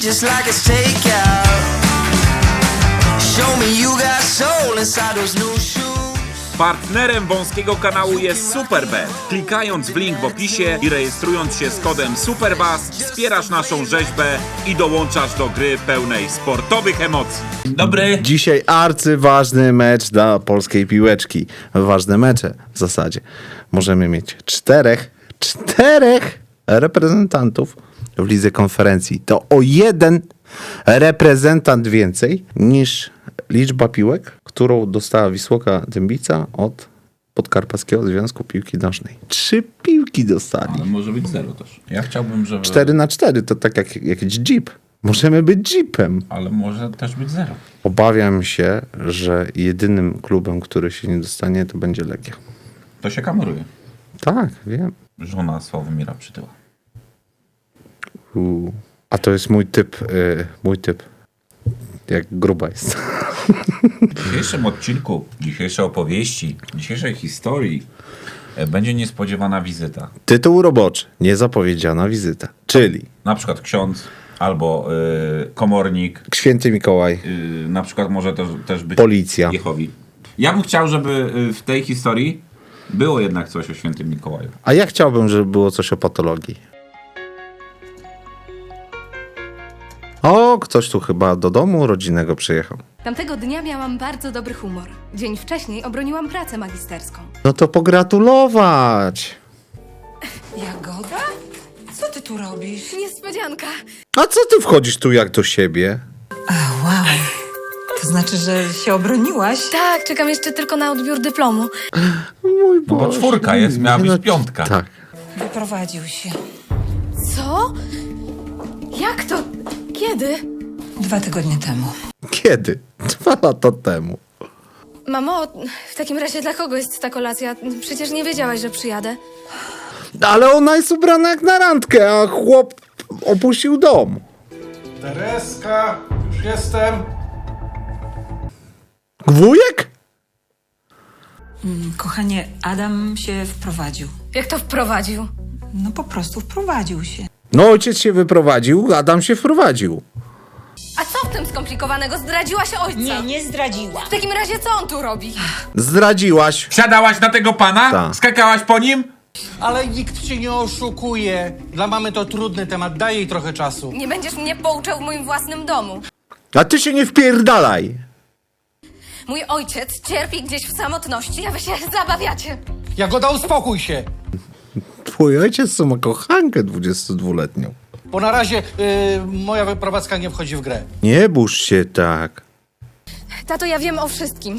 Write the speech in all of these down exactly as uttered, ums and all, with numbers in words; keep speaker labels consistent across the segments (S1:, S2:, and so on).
S1: just like it's takeout. Show me you got soul inside those new shoes.
S2: Partnerem wąskiego kanału jest Superbet. Klikając w link w opisie i rejestrując się z kodem SUPERBAS wspierasz naszą rzeźbę i dołączasz do gry pełnej sportowych emocji. Dobry.
S3: Dzisiaj arcyważny mecz dla polskiej piłeczki. Ważne mecze w zasadzie. Możemy mieć czterech, czterech reprezentantów w lidze konferencji. To o jeden reprezentant więcej niż liczba piłek, którą dostała Wisłoka Dębica od Podkarpackiego Związku Piłki Nożnej. Trzy piłki dostali.
S2: Ale może być zero też. Ja chciałbym, żeby...
S3: Cztery na cztery to tak jak jakiś jeep. Możemy być jeepem.
S2: Ale może też być zero.
S3: Obawiam się, że jedynym klubem, który się nie dostanie, to będzie Legia.
S2: To się kameruje.
S3: Tak, wiem.
S2: Żona Sławomira Przytyła.
S3: U. A to jest mój typ, yy, mój typ. Jak gruba jest.
S2: W dzisiejszym odcinku, dzisiejszej opowieści, dzisiejszej historii e, będzie niespodziewana wizyta.
S3: Tytuł roboczy. Niezapowiedziana wizyta. Czyli
S2: Na przykład ksiądz albo y, komornik.
S3: Święty Mikołaj.
S2: Y, na przykład może też, też być
S3: Policja.
S2: Jehowi. Ja bym chciał, żeby y, w tej historii było jednak coś o Świętym Mikołaju.
S3: A ja chciałbym, żeby było coś o patologii. O, ktoś tu chyba do domu rodzinnego przyjechał.
S4: Tamtego dnia miałam bardzo dobry humor. Dzień wcześniej obroniłam pracę magisterską.
S3: No to pogratulować.
S5: Jagoda? Co ty tu robisz?
S4: Niespodzianka!
S3: A co ty wchodzisz tu jak do siebie?
S5: A, wow. To znaczy, że się obroniłaś?
S4: Tak, czekam jeszcze tylko na odbiór dyplomu.
S3: Mój
S2: No bo
S3: Boże.
S2: czwórka jest, miała być
S3: No,
S2: piątka.
S3: Tak.
S5: Wyprowadził się.
S4: Co? Jak to? Kiedy?
S5: Dwa tygodnie temu.
S3: Kiedy? Dwa lata temu.
S4: Mamo, w takim razie dla kogo jest ta kolacja? Przecież nie wiedziałaś, że przyjadę.
S3: Ale ona jest ubrana jak na randkę, a chłop opuścił dom.
S6: Tereska, już jestem.
S3: Wujek?
S5: Kochanie, Adam się wprowadził.
S4: Jak to wprowadził?
S5: No po prostu wprowadził się.
S3: No ojciec się wyprowadził, Adam się wprowadził.
S4: A co w tym skomplikowanego? Zdradziłaś ojca?
S5: Nie, nie zdradziła.
S4: W takim razie co on tu robi?
S3: Zdradziłaś.
S2: Wsiadałaś na tego pana?
S3: Tak.
S2: Skakałaś po nim?
S6: Ale nikt cię nie oszukuje. Dla mamy to trudny temat, daj jej trochę czasu.
S4: Nie będziesz mnie pouczał w moim własnym domu.
S3: A ty się nie wpierdalaj.
S4: Mój ojciec cierpi gdzieś w samotności, a wy się zabawiacie.
S6: Jagoda, uspokój się.
S3: Twój ojciec to ma kochankę dwudziestodwuletnią.
S6: Bo na razie yy, moja wyprowadzka nie wchodzi w grę.
S3: Nie burz się tak.
S4: Tato, ja wiem o wszystkim.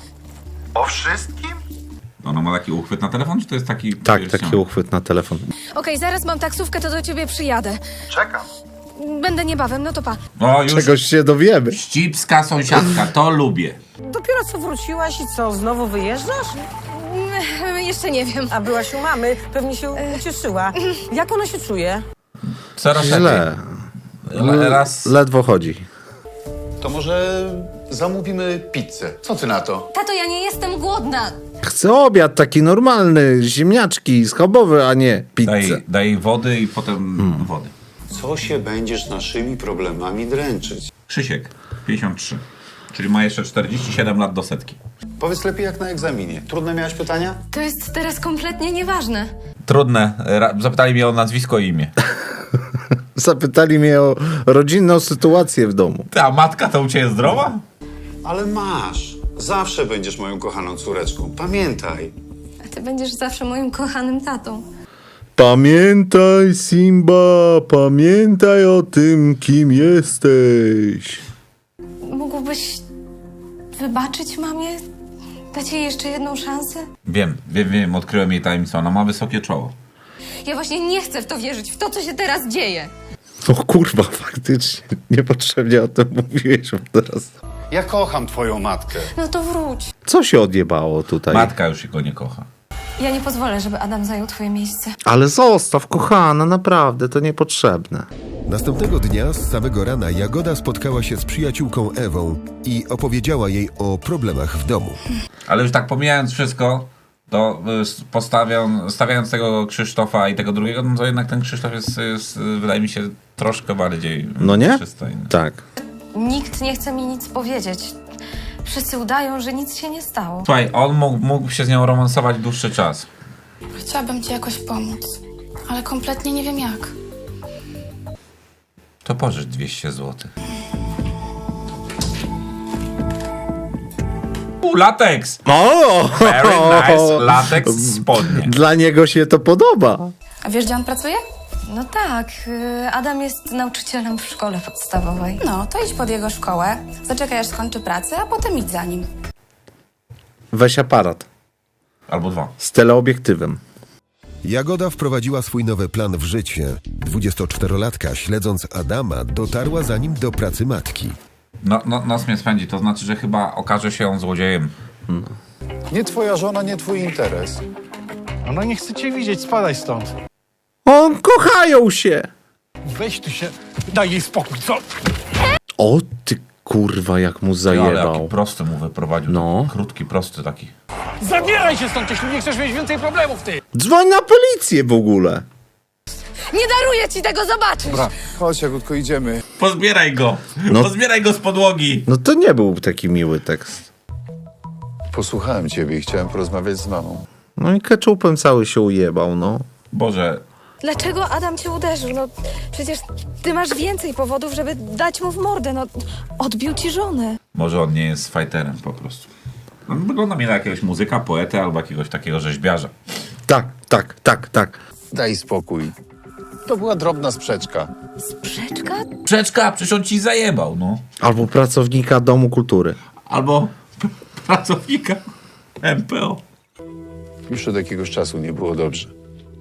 S2: Ona ma taki uchwyt na telefon, czy to jest taki...
S3: Tak,
S2: wiesz,
S3: taki uchwyt na telefon.
S4: Okej, zaraz mam taksówkę, to do ciebie przyjadę. Czekam. Będę niebawem, no to pa.
S2: O, już
S3: Czegoś się dowiemy.
S2: ścipska sąsiadka, to lubię.
S7: Dopiero co wróciłaś i co, znowu wyjeżdżasz?
S4: Mm, Jeszcze nie wiem.
S7: A byłaś u mamy, pewnie się ucieszyła. Jak ona się czuje?
S2: Coraz
S3: Źle.
S2: lepiej. Raz...
S3: Ledwo chodzi.
S8: To może zamówimy pizzę. Co ty na to?
S4: Tato, ja nie jestem głodna.
S3: Chcę obiad taki normalny, ziemniaczki, schabowy, a nie pizzę.
S2: Daj, daj wody i potem
S3: Hmm.
S2: wody.
S8: Co się będziesz naszymi problemami dręczyć?
S2: Krzysiek, pięćdziesiąt trzy. Czyli ma jeszcze czterdzieści siedem lat do setki.
S8: Powiedz lepiej jak na egzaminie. Trudne miałeś pytania?
S4: To jest teraz kompletnie nieważne.
S2: Trudne. Ra- Zapytali mnie o nazwisko i imię.
S3: Zapytali mnie o rodzinną sytuację w domu.
S2: Ta matka to u ciebie zdrowa?
S8: Ale masz. Zawsze będziesz moją kochaną córeczką. Pamiętaj.
S4: A ty będziesz zawsze moim kochanym tatą.
S3: Pamiętaj, Simba, pamiętaj o tym, kim jesteś.
S4: Mógłbyś wybaczyć mamie? Dać jej jeszcze jedną szansę?
S2: Wiem, wiem, wiem. Odkryłem jej tajemnicę. Ona ma wysokie czoło.
S4: Ja właśnie nie chcę w to wierzyć, w to, co się teraz dzieje.
S3: O kurwa, faktycznie. Niepotrzebnie o tym mówiłeś teraz.
S8: Ja kocham twoją matkę.
S4: No to wróć.
S3: Co się odjebało tutaj?
S2: Matka już go nie kocha.
S4: Ja nie pozwolę, żeby Adam zajął twoje miejsce.
S3: Ale zostaw, kochana, naprawdę, to niepotrzebne.
S9: Następnego dnia z samego rana Jagoda spotkała się z przyjaciółką Ewą i opowiedziała jej o problemach w domu.
S2: Ale już tak pomijając wszystko, To y, postawią, stawiając tego Krzysztofa i tego drugiego, no to jednak ten Krzysztof jest, jest wydaje mi się, troszkę bardziej
S3: No nie?
S2: przystojny.
S3: Tak.
S4: Nikt nie chce mi nic powiedzieć. Wszyscy udają, że nic się nie stało.
S2: Słuchaj, on mógł, mógł się z nią romansować dłuższy czas.
S10: Chciałabym ci jakoś pomóc, ale kompletnie nie wiem jak.
S2: To pożycz dwieście złotych. U, lateks!
S3: O!
S2: Very nice, lateks spodnie.
S3: Dla niego się to podoba.
S10: A wiesz, gdzie on pracuje?
S4: No tak, y, Adam jest nauczycielem w szkole podstawowej.
S10: No, to idź pod jego szkołę, zaczekaj aż skończy pracę, a potem idź za nim.
S3: Weź aparat
S2: Albo dwa.
S3: z teleobiektywem.
S9: Jagoda wprowadziła swój nowy plan w życie. dwudziestoczterolatka, śledząc Adama, dotarła za nim do pracy matki.
S2: No, no, nos mnie spędzi, to znaczy, że chyba okaże się on złodziejem.
S8: Nie twoja żona, nie twój interes.
S6: Ona nie chce cię widzieć, spadaj stąd.
S3: On kochają się.
S6: Weź tu się, daj jej spokój, co?
S3: O ty kurwa, jak mu
S2: Ale jaki
S3: zajebał.
S2: prosty mu wyprowadził.
S3: No.
S2: Krótki, prosty taki.
S6: Zabieraj się stąd, jeśli nie chcesz mieć więcej problemów, ty!
S3: Dzwoń na policję w ogóle.
S4: Nie daruję ci tego zobaczyć!
S8: Dobra, chodź Jagódko, idziemy.
S2: Pozbieraj go!
S3: No.
S2: Pozbieraj go z podłogi!
S3: No to nie był taki miły tekst.
S8: Posłuchałem ciebie i chciałem porozmawiać z mamą.
S3: No i keczupem cały się ujebał, no.
S2: Boże,
S4: Dlaczego Adam cię uderzył? No przecież ty masz więcej powodów, żeby dać mu w mordę. No odbił ci żonę.
S2: może on nie jest fighterem po prostu. On wygląda mi na jakiegoś muzyka, poetę albo jakiegoś takiego rzeźbiarza.
S3: Tak, tak, tak, tak.
S8: Daj spokój. To była drobna sprzeczka.
S4: Sprzeczka?
S2: Przeczka, przecież on ci zajebał, no.
S3: Albo pracownika Domu Kultury.
S2: Albo pracownika M P O.
S8: Już od jakiegoś czasu nie było dobrze.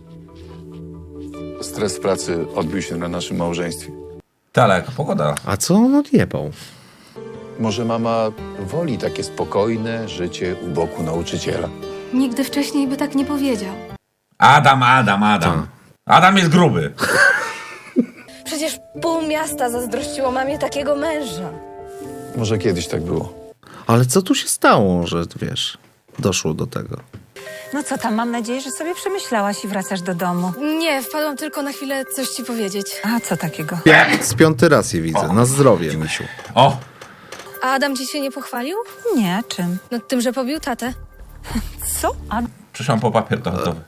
S8: Stres w pracy odbił się na naszym małżeństwie.
S2: Ta, ale jaka pogoda.
S3: A co on odjebał?
S8: Może mama woli takie spokojne życie u boku nauczyciela.
S4: Nigdy wcześniej by tak nie powiedział.
S2: Adam, Adam, Adam. Adam jest gruby.
S4: Przecież pół miasta zazdrościło mamie takiego męża.
S8: Może kiedyś tak było.
S3: Ale co tu się stało, że wiesz, doszło do tego?
S5: No co tam, mam nadzieję, że sobie przemyślałaś i wracasz do domu.
S4: Nie, wpadłam tylko na chwilę coś ci powiedzieć.
S5: A co takiego?
S3: Z piąty raz je widzę. Na zdrowie, misiu.
S2: O,
S4: A Adam ci się nie pochwalił?
S5: Nie, czym?
S4: No tym, że pobił tatę.
S5: Co? A
S2: przyszłam po papier toaletowy.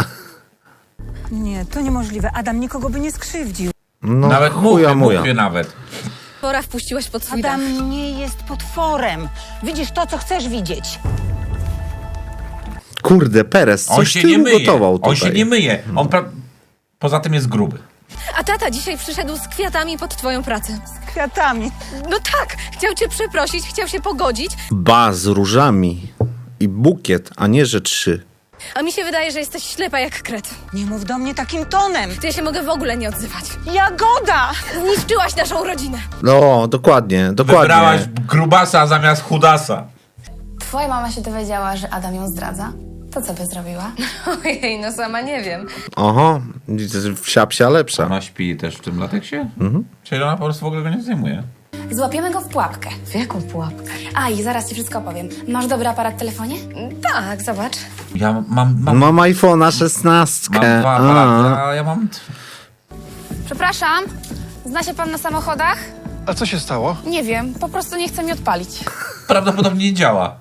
S5: nie, to niemożliwe. Adam nikogo by nie skrzywdził.
S3: No
S2: Nawet
S3: chuja
S2: mówię,
S3: muja.
S2: mówię nawet.
S4: Pora wpuściłaś pod swój dach.
S7: Adam nie jest potworem. Widzisz to, co chcesz widzieć.
S3: Kurde, Perez,
S2: On
S3: coś
S2: się
S3: ty
S2: nie myje.
S3: ugotował tutaj.
S2: On się nie myje. On pra... Poza tym jest gruby.
S4: A tata dzisiaj przyszedł z kwiatami pod twoją pracę.
S5: Z kwiatami.
S4: No tak, chciał cię przeprosić, chciał się pogodzić,
S3: Ba, z różami. I bukiet, a nie, że trzy.
S4: a mi się wydaje, że jesteś ślepa jak kret.
S5: Nie mów do mnie takim tonem.
S4: To ja się mogę w ogóle nie odzywać.
S5: Jagoda!
S4: Zniszczyłaś naszą rodzinę.
S3: No, dokładnie, dokładnie.
S2: Wybrałaś grubasa zamiast chudasa.
S10: Twoja mama się dowiedziała, że Adam ją zdradza. To co by zrobiła?
S4: Ojej, no sama nie wiem.
S3: Oho, wsia psia lepsza.
S2: Ona śpi też w tym lateksie? Mhm. Czyli ona po prostu w ogóle go nie zdejmuje.
S10: Złapiemy go w pułapkę.
S4: W jaką pułapkę?
S10: A i zaraz ci wszystko opowiem. Masz dobry aparat w telefonie?
S4: Tak, zobacz.
S2: Ja mam... mam...
S3: Mam iPhone'a szesnastkę.
S2: Mam dwa aparaty, a ja mam...
S10: Przepraszam, zna się pan na samochodach?
S6: A co się stało?
S10: Nie wiem, po prostu nie chce mi odpalić.
S2: Prawdopodobnie nie działa.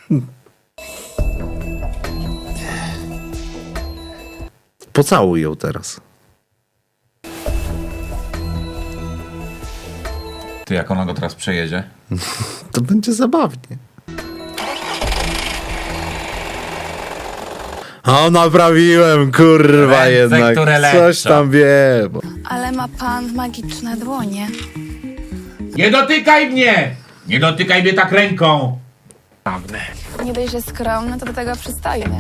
S3: Pocałuj ją teraz.
S2: Ty, jak ona go teraz przejedzie?
S3: To będzie zabawnie. O, naprawiłem, kurwa,
S2: Ręce,
S3: jednak.
S2: które
S3: Coś
S2: leczą.
S3: tam wiem.
S10: Ale ma pan magiczne dłonie.
S2: Nie dotykaj mnie! Nie dotykaj mnie tak ręką!
S10: Nie dość, że skromny, to do tego przystojny.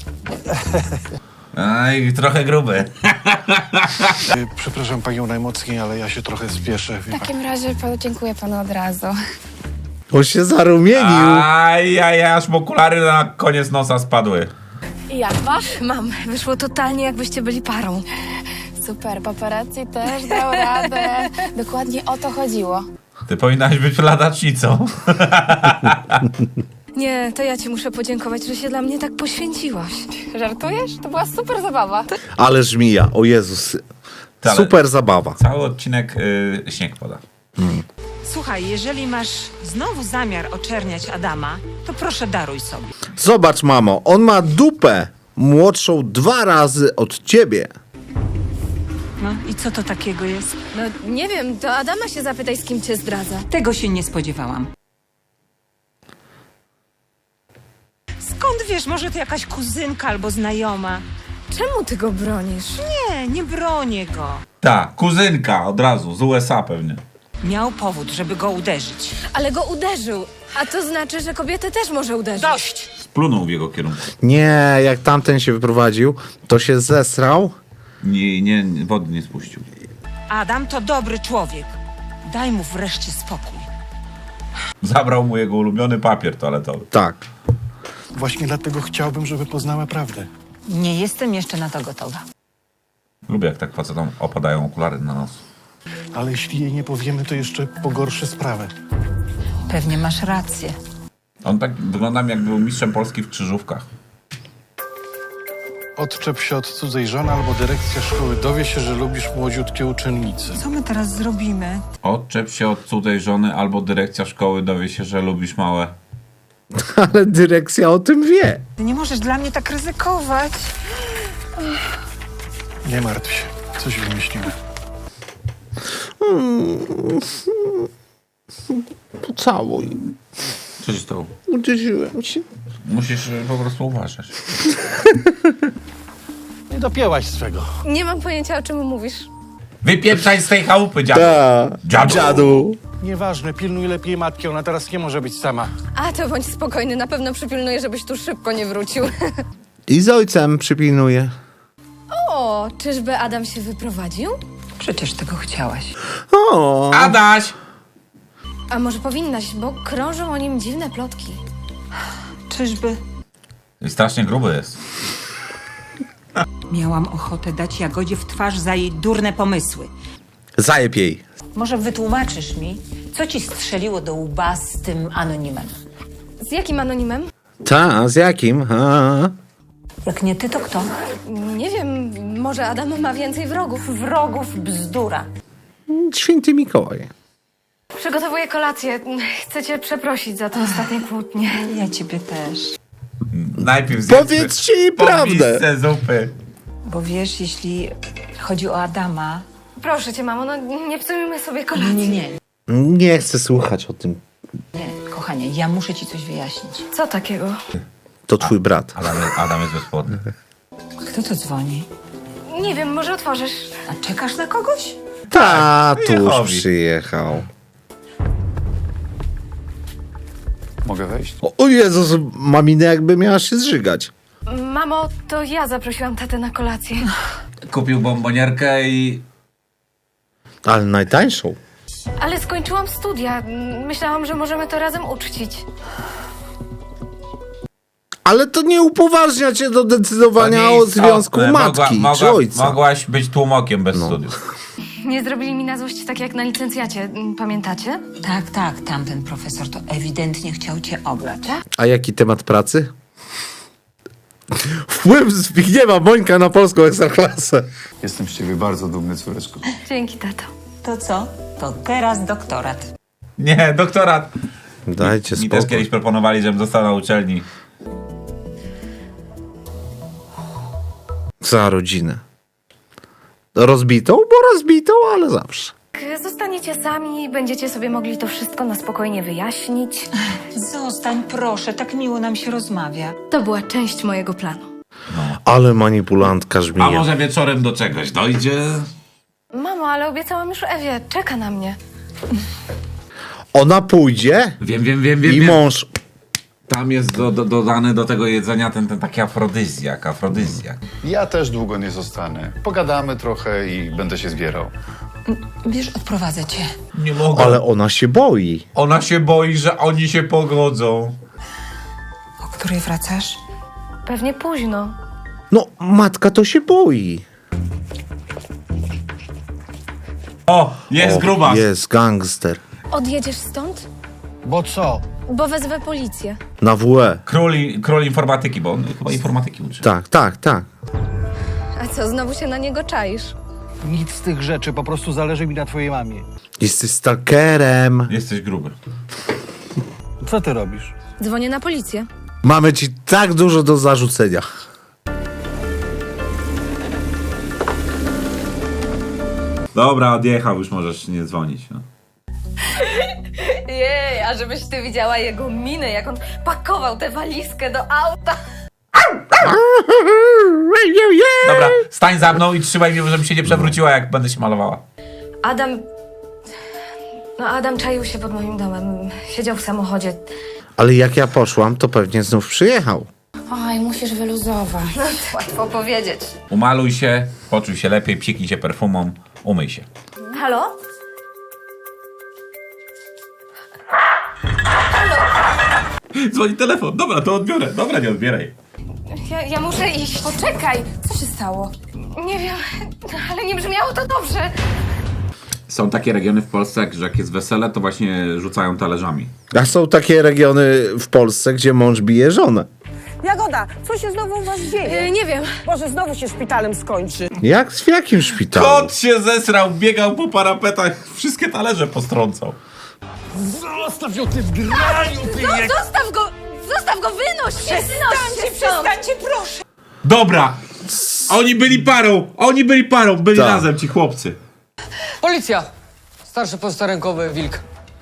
S2: Aj, trochę gruby.
S6: Przepraszam panią najmocniej, ale ja się trochę spieszę.
S10: W takim razie podziękuję panu od razu.
S3: On się zarumienił.
S2: Aj, aj, aż mu okulary na koniec nosa spadły.
S10: I jak masz?
S4: Mam, wyszło totalnie jakbyście byli parą.
S10: Super, paparazzi też dał radę. Dokładnie o to chodziło.
S2: Ty powinnaś być ladacznicą.
S4: Nie, to ja ci muszę podziękować, że się dla mnie tak poświęciłaś.
S10: Żartujesz? To była super zabawa.
S3: Ale żmija, o Jezus.
S2: Ale-
S3: Super zabawa.
S2: Cały odcinek y, śnieg pada.
S5: Słuchaj, jeżeli masz znowu zamiar oczerniać Adama, to proszę daruj sobie.
S3: Zobacz, mamo, on ma dupę młodszą dwa razy od ciebie.
S5: No i co to takiego jest?
S4: No nie wiem, to Adama się zapytaj, z kim cię zdradza.
S5: Tego się nie spodziewałam. Skąd wiesz, może to jakaś kuzynka albo znajoma?
S4: Czemu ty go bronisz?
S5: Nie, nie bronię go.
S2: Ta, kuzynka od razu, z U S A pewnie.
S5: Miał powód, żeby go uderzyć.
S4: Ale go uderzył, a to znaczy, że kobietę też może uderzyć.
S5: Dość!
S2: Splunął w jego kierunku.
S3: Nie, jak tamten się wyprowadził, to się zesrał.
S2: Nie, nie, nie, wody nie spuścił.
S5: Adam to dobry człowiek. Daj mu wreszcie spokój.
S2: Zabrał mu jego ulubiony papier toaletowy.
S3: Tak.
S11: Właśnie dlatego chciałbym, żeby poznała prawdę.
S5: Nie jestem jeszcze na to gotowa.
S2: Lubię, jak tak facetom opadają okulary na nos.
S11: Ale jeśli jej nie powiemy, to jeszcze pogorszy sprawę.
S5: Pewnie masz rację.
S2: On tak wygląda, jak był mistrzem Polski w krzyżówkach.
S11: Odczep się od cudzej żony albo dyrekcja szkoły dowie się, że lubisz młodziutkie uczennice.
S5: Co my teraz zrobimy?
S2: Odczep się od cudzej żony, albo dyrekcja szkoły dowie się, że lubisz małe.
S3: Ale dyrekcja o tym wie.
S5: Ty nie możesz dla mnie tak ryzykować.
S11: Nie martw się, coś wymyślimy.
S3: Pocałuj.
S2: Co ci stało?
S3: Uderzyłem się.
S2: Musisz y, po prostu uważać.
S11: Nie dopięłaś swego.
S4: Nie mam pojęcia, o czym mówisz.
S2: Wypieprzaj z tej chałupy, dziadu!
S3: Ta,
S2: Dziadu!
S3: dziadu.
S11: Nieważne, pilnuj lepiej matki, ona teraz nie może być sama.
S4: A to bądź spokojny, na pewno przypilnuję, żebyś tu szybko nie wrócił.
S3: I z ojcem przypilnuje.
S4: O, czyżby Adam się wyprowadził?
S5: Przecież tego chciałaś.
S3: O,
S2: Adaś!
S4: A może powinnaś, bo krążą o nim dziwne plotki.
S5: Czyżby?
S2: Strasznie gruby jest.
S5: Miałam ochotę dać Jagodzie w twarz za jej durne pomysły.
S3: zajeb jej.
S5: Może wytłumaczysz mi, co ci strzeliło do łba z tym anonimem?
S4: Z jakim anonimem?
S3: Ta, z jakim? A.
S5: Jak nie ty, to kto?
S4: Nie wiem, może Adam ma więcej wrogów.
S5: Wrogów bzdura.
S3: Święty Mikołaj.
S4: Przygotowuję kolację. Chcę cię przeprosić za te ostatnie kłótnie.
S5: Ja ciebie też.
S2: Najpierw zjedzmy
S3: Powiedzcie jej
S2: po
S3: prawdę.
S2: misce zupy.
S5: Bo wiesz, jeśli chodzi o Adama...
S4: Proszę cię, mamo, no nie psujmy sobie
S5: Nie,
S4: kolacji.
S5: nie, nie.
S3: Nie chcę słuchać o tym.
S5: Nie, kochanie, ja muszę ci coś wyjaśnić.
S4: Co takiego?
S3: To twój brat.
S2: Adam, Adam jest bezpłodny.
S5: Kto to dzwoni?
S4: Nie wiem, może otworzysz.
S5: A czekasz na kogoś?
S3: Tatuś
S2: Jehowi.
S3: przyjechał.
S8: Mogę wejść?
S3: O, o Jezus, ma minę, jakby miała się zżygać.
S4: Mamo, to ja zaprosiłam tatę na kolację.
S2: Kupił bombonierkę i...
S3: Ale najtańszą.
S4: Ale skończyłam studia. Myślałam, że możemy to razem uczcić.
S3: Ale to nie upoważnia cię do decydowania
S2: To nie
S3: o
S2: istotne.
S3: związku matki
S2: Mogła,
S3: czy
S2: mogła,
S3: ojca.
S2: Mogłaś być tłumokiem bez studiów.
S4: Nie zrobili mi na złość tak jak na licencjacie. Pamiętacie?
S5: Tak, tak, tamten profesor to ewidentnie chciał cię oblać.
S3: A jaki temat pracy? Wpływ Zbigniewa Bońka na polską ekstraklasę.
S8: Jestem z ciebie bardzo dumny, córeczko.
S4: Dzięki, tato.
S5: To co? To teraz doktorat.
S2: Nie, doktorat.
S3: Dajcie
S2: Mi też
S3: spokój.
S2: kiedyś proponowali, żebym został na uczelni.
S3: Za rodzinę. Rozbitą, bo rozbitą, ale zawsze.
S4: Jak zostaniecie sami, będziecie sobie mogli to wszystko na spokojnie wyjaśnić.
S5: Zostań, proszę, tak miło nam się rozmawia.
S4: To była część mojego planu.
S3: Ale manipulantka
S2: A
S3: żmija.
S2: może wieczorem do czegoś dojdzie?
S4: Mamo, ale obiecałam już Ewie. Czeka na mnie.
S3: Ona pójdzie
S2: Wiem, wiem, wiem, wiem.
S3: i
S2: wiem.
S3: mąż...
S2: Tam jest do, do, dodany do tego jedzenia ten, ten taki afrodyzjak, afrodyzjak.
S8: Ja też długo nie zostanę. Pogadamy trochę i będę się zbierał.
S5: Wiesz, odprowadzę cię.
S2: Nie mogę.
S3: Ale ona się boi.
S2: Ona się boi, że oni się pogodzą.
S5: O której wracasz?
S4: Pewnie późno.
S3: No, matka to się boi.
S2: O, jest
S3: O,
S2: grubas.
S3: Jest gangster.
S4: Odjedziesz stąd?
S6: Bo co?
S4: Bo wezwę policję.
S3: Na W E.
S2: Król, król informatyki, bo on chyba informatyki uczy.
S3: Tak, tak, tak.
S4: A co, znowu się na niego czaisz?
S6: Nic z tych rzeczy, po prostu zależy mi na twojej mamie.
S3: Jesteś stalkerem.
S2: Jesteś gruby.
S6: Co ty robisz?
S4: Dzwonię na policję.
S3: Mamy ci tak dużo do zarzucenia.
S2: Dobra, odjechał, już możesz nie dzwonić. No.
S4: Jej, a żebyś ty widziała jego minę, jak on pakował tę walizkę do auta.
S2: Dobra, stań za mną i trzymaj mnie, żebym się nie przewróciła, jak będę się malowała.
S4: Adam... No Adam czaił się pod moim domem. Siedział w samochodzie.
S3: Ale jak ja poszłam, to pewnie znów przyjechał.
S10: Oj, musisz wyluzować.
S4: No, łatwo powiedzieć.
S2: Umaluj się, poczuj się lepiej, psiknij się perfumą, umyj się.
S4: Halo?
S2: Dzwoni telefon, dobra, to odbiorę. Dobra, nie odbieraj.
S4: Ja, ja muszę iść.
S10: Poczekaj, co się stało?
S4: Nie wiem, ale nie brzmiało to dobrze.
S2: Są takie regiony w Polsce, że jak jest wesele, to właśnie rzucają talerzami.
S3: A są takie regiony w Polsce, gdzie mąż bije żonę.
S7: Jagoda, co się znowu u was dzieje?
S4: Yy, nie wiem.
S7: Może znowu się szpitalem skończy.
S3: Jak? W jakim szpitalu?
S2: Kot się zesrał, biegał po parapetach, wszystkie talerze postrącał.
S6: Zostaw ją, ty zgraniu, ty
S4: No, zostaw go! Zostaw go, wynoś się! Przestańcie,
S7: Przestańcie, proszę.
S2: Dobra, oni byli parą, oni byli parą, byli
S3: Tak.
S2: razem ci chłopcy.
S12: Policja! Starszy postarynkowy wilk.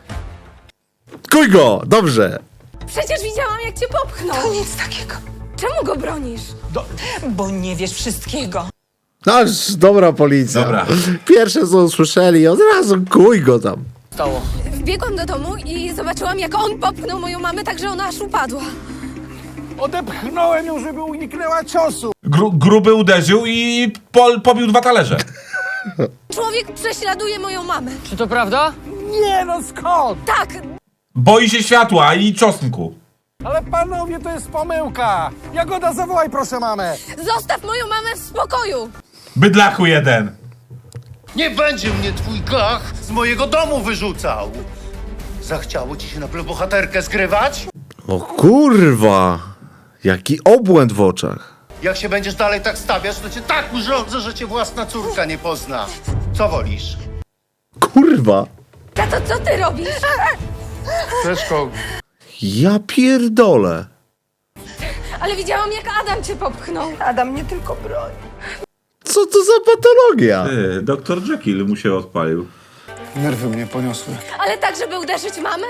S3: Kuj go! Dobrze.
S4: Przecież widziałam, jak cię popchnął.
S7: To nic takiego.
S4: Czemu go bronisz?
S7: Bo nie wiesz wszystkiego.
S3: Aż dobra policja.
S2: Dobra.
S3: Pierwsze co usłyszeli, od razu kuj go tam.
S12: Stało.
S4: Wbiegłam do domu i zobaczyłam, jak on popchnął moją mamę, tak że ona aż upadła.
S6: Odepchnąłem ją, żeby uniknęła ciosu.
S2: Gru, gruby uderzył i pol, pobił dwa talerze.
S4: Człowiek prześladuje moją mamę.
S12: Czy to prawda?
S6: Nie no, skąd?
S4: Tak,
S2: Boi się światła i czosnku.
S6: Ale panowie, to jest pomyłka. Jagoda, zawołaj proszę mamę.
S4: zostaw moją mamę w spokoju.
S2: Bydlachu jeden.
S13: Nie będzie mnie twój gach z mojego domu wyrzucał! Zachciało ci się na bohaterkę zgrywać?
S3: O kurwa. Jaki obłęd w oczach.
S13: Jak się będziesz dalej tak stawiać, to cię tak urządzę, że cię własna córka nie pozna. Co wolisz?
S3: Kurwa.
S4: Tato, co ty robisz?
S11: Leszko,
S3: Ja pierdolę.
S4: Ale widziałam, jak Adam cię popchnął.
S7: Adam nie tylko broni.
S3: Co to za patologia?
S2: Ty, doktor Jekyll mu się odpalił.
S11: nerwy mnie poniosły.
S4: Ale tak, żeby uderzyć mamę?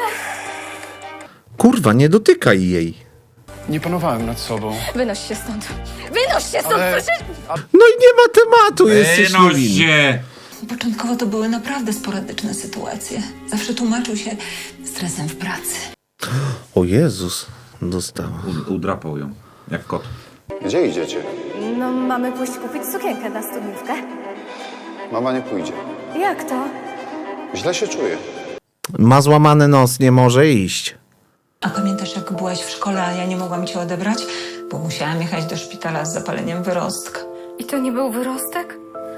S3: Kurwa, nie dotykaj jej.
S11: Nie panowałem nad sobą.
S4: Wynoś się stąd. Wynoś się stąd,
S11: Ale-
S4: przecież...
S3: No i nie ma tematu, jesteś
S2: Wynoś
S3: niewinny.
S2: się.
S14: Początkowo to były naprawdę sporadyczne sytuacje. Zawsze tłumaczył się stresem w pracy.
S3: O Jezus, dostała.
S2: U, udrapał ją, jak kot.
S8: Gdzie idziecie?
S4: No, mamy pójść kupić sukienkę na studniówkę.
S8: Mama nie pójdzie.
S4: Jak to?
S8: Źle się czuję.
S3: Ma złamany nos, nie może iść.
S14: A pamiętasz, jak byłaś w szkole, a ja nie mogłam cię odebrać? Bo musiałam jechać do szpitala z zapaleniem wyrostka.
S4: I to nie był wyrostek?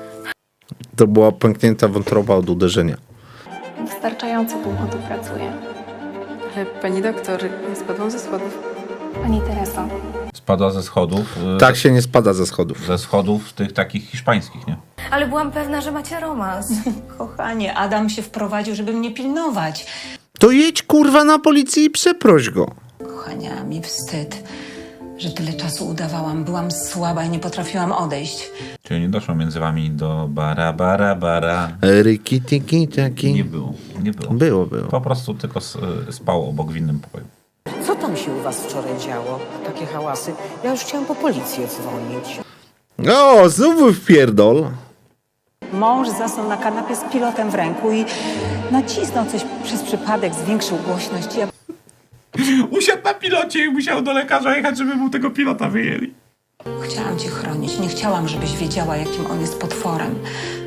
S3: To była pęknięta wątroba od uderzenia.
S10: Wystarczająco długo tu pracuję.
S14: Ale pani doktor, ja spadłam ze schodów.
S10: Pani Tereso,
S2: Spadła ze schodów. y,
S3: Tak się nie spada ze schodów.
S2: Ze schodów tych takich hiszpańskich, nie?
S4: Ale byłam pewna, że macie romans.
S14: Kochanie, Adam się wprowadził, żeby mnie pilnować.
S3: To jedź kurwa na policję i przeproś go.
S14: Kochania, mi wstyd, że tyle czasu udawałam. Byłam słaba i nie potrafiłam odejść.
S2: Czyli nie doszło między wami do bara, bara, bara.
S3: Ryki, tiki, taki.
S2: Nie było, nie było.
S3: Było, było.
S2: Po prostu tylko s- spał obok w innym pokoju.
S7: Co tam się u was wczoraj działo? Takie hałasy. Ja już chciałam po policję dzwonić.
S3: O, znowu wpierdol.
S5: Mąż zasnął na kanapie z pilotem w ręku i nacisnął coś przez przypadek, zwiększył głośność. Ja
S2: Usiadł na pilocie i musiał do lekarza jechać, żeby mu tego pilota wyjęli.
S14: Chciałam cię chronić. Nie chciałam, żebyś wiedziała, jakim on jest potworem.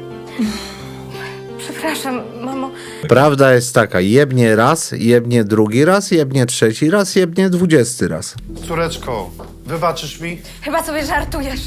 S4: Przepraszam, mamo.
S3: Prawda jest taka, jebnie raz, jebnie drugi raz, jebnie trzeci raz, jebnie dwudziesty raz.
S13: Córeczko, wybaczysz mi?
S4: Chyba sobie żartujesz.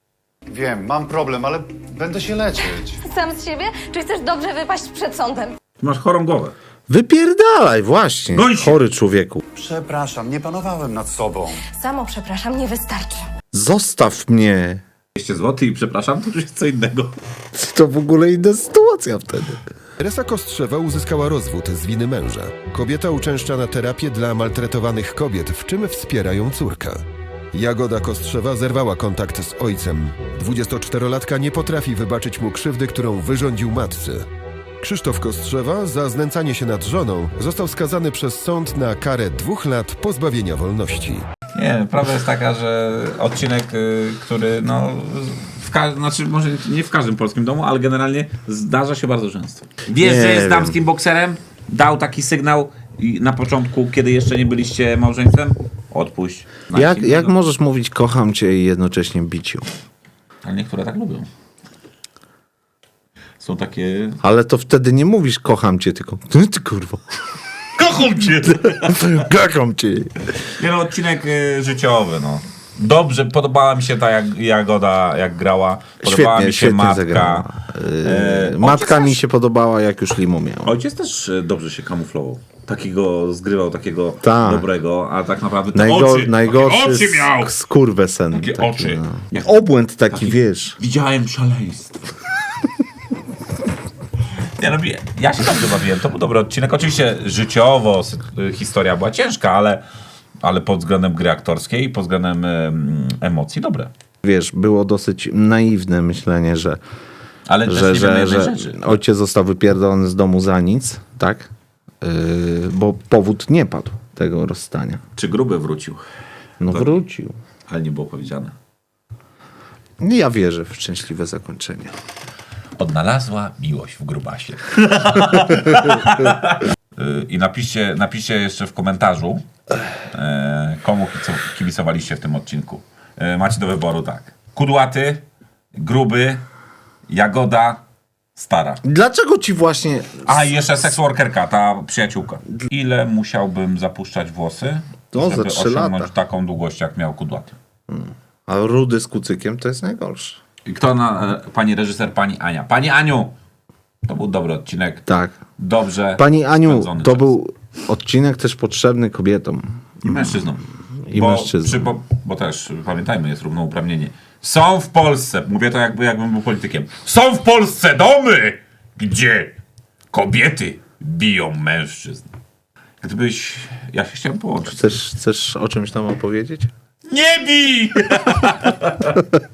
S13: Wiem, mam problem, ale będę się leczyć.
S4: Sam z siebie? Czy chcesz dobrze wypaść przed sądem?
S2: Masz chorą głowę.
S3: Wypierdalaj, właśnie.
S2: Goń się.
S3: Chory człowieku.
S15: Przepraszam, nie panowałem nad sobą.
S4: Samo przepraszam, nie wystarczy.
S3: Zostaw mnie.
S2: dwieście złotych i przepraszam, to już jest co innego.
S3: To w ogóle inna sytuacja wtedy.
S9: Teresa Kostrzewa uzyskała rozwód z winy męża. Kobieta uczęszcza na terapię dla maltretowanych kobiet, w czym wspiera ją córka. Jagoda Kostrzewa zerwała kontakt z ojcem. dwudziestoczterolatka nie potrafi wybaczyć mu krzywdy, którą wyrządził matce. Krzysztof Kostrzewa za znęcanie się nad żoną został skazany przez sąd na karę dwóch lat pozbawienia wolności.
S2: Nie, prawda jest taka, że odcinek, y, który no, w ka- znaczy może nie w każdym polskim domu, ale generalnie zdarza się bardzo często. Wiesz,
S3: Nie
S2: że jest
S3: wiem.
S2: damskim bokserem? Dał taki sygnał i na początku, kiedy jeszcze nie byliście małżeństwem? Odpuść.
S3: Jak, jak możesz mówić kocham cię i jednocześnie bić ją?
S2: Ale niektóre tak lubią. Są takie...
S3: Ale to wtedy nie mówisz kocham cię, tylko ty, ty kurwa.
S2: Kocham cię!
S3: Kocham cię.
S2: Nie no, odcinek y, życiowy, no. Dobrze, podobała mi się ta jak, Jagoda, jak grała. Podobała
S3: Świetnie,
S2: mi się
S3: świetnie
S2: matka.
S3: zagrała.
S2: E,
S3: Yy, matka
S2: ojciec
S3: mi
S2: też-
S3: się podobała, jak już limo miał.
S2: Ojciec też e, dobrze się kamuflował. Takiego zgrywał, takiego
S3: Tak.
S2: dobrego, a tak naprawdę te
S3: Najgo-
S2: oczy,
S3: najgorszy
S2: takie oczy miał!
S3: sk- skurwesen.
S2: Takie
S3: taki,
S2: oczy.
S3: no.
S2: Jak-
S3: Obłęd taki,
S2: taki-
S3: wiesz.
S2: Widziałem szaleństwo. Nie no, ja się dobrze bawiłem, to był dobry odcinek. Oczywiście życiowo sy- historia była ciężka, ale, ale pod względem gry aktorskiej i pod względem em, emocji dobre.
S3: Wiesz, było dosyć naiwne myślenie, że,
S2: Ale też
S3: że,
S2: nie wiemy
S3: że,
S2: jednej
S3: że
S2: rzeczy.
S3: ojciec został wypierdolony z domu za nic, tak? Yy, bo powód nie padł tego rozstania.
S2: Czy Gruby wrócił?
S3: No
S2: To-
S3: wrócił.
S2: Ale nie było powiedziane.
S3: Ja wierzę w szczęśliwe zakończenie.
S2: Odnalazła miłość w grubasie. Y, I napiszcie, napiszcie jeszcze w komentarzu, e, komu kico- kibicowaliście w tym odcinku. E, macie do wyboru tak. Kudłaty, Gruby, Jagoda, Stara.
S3: Dlaczego ci właśnie...
S2: A i jeszcze seksworkerka, ta przyjaciółka. Ile musiałbym zapuszczać włosy,
S3: To za
S2: żeby
S3: trzy
S2: osiągnąć
S3: lata.
S2: taką długość, jak miał Kudłaty?
S3: A rudy z kucykiem to jest najgorsze.
S2: I kto na... E, pani reżyser, pani Ania. Pani Aniu! To był dobry odcinek.
S3: Tak.
S2: Dobrze.
S3: Pani Aniu,
S2: spędzony
S3: to
S2: czas.
S3: był odcinek też potrzebny kobietom.
S2: I mężczyznom.
S3: I
S2: bo,
S3: mężczyznom.
S2: Przy, bo, bo też, pamiętajmy, jest równouprawnienie. Są w Polsce, mówię to jakby, jakbym był politykiem, są w Polsce domy, gdzie kobiety biją mężczyzn. Gdybyś... Ja się chciałem połączyć.
S3: Chcesz, chcesz o czymś tam opowiedzieć?
S2: Nie bij!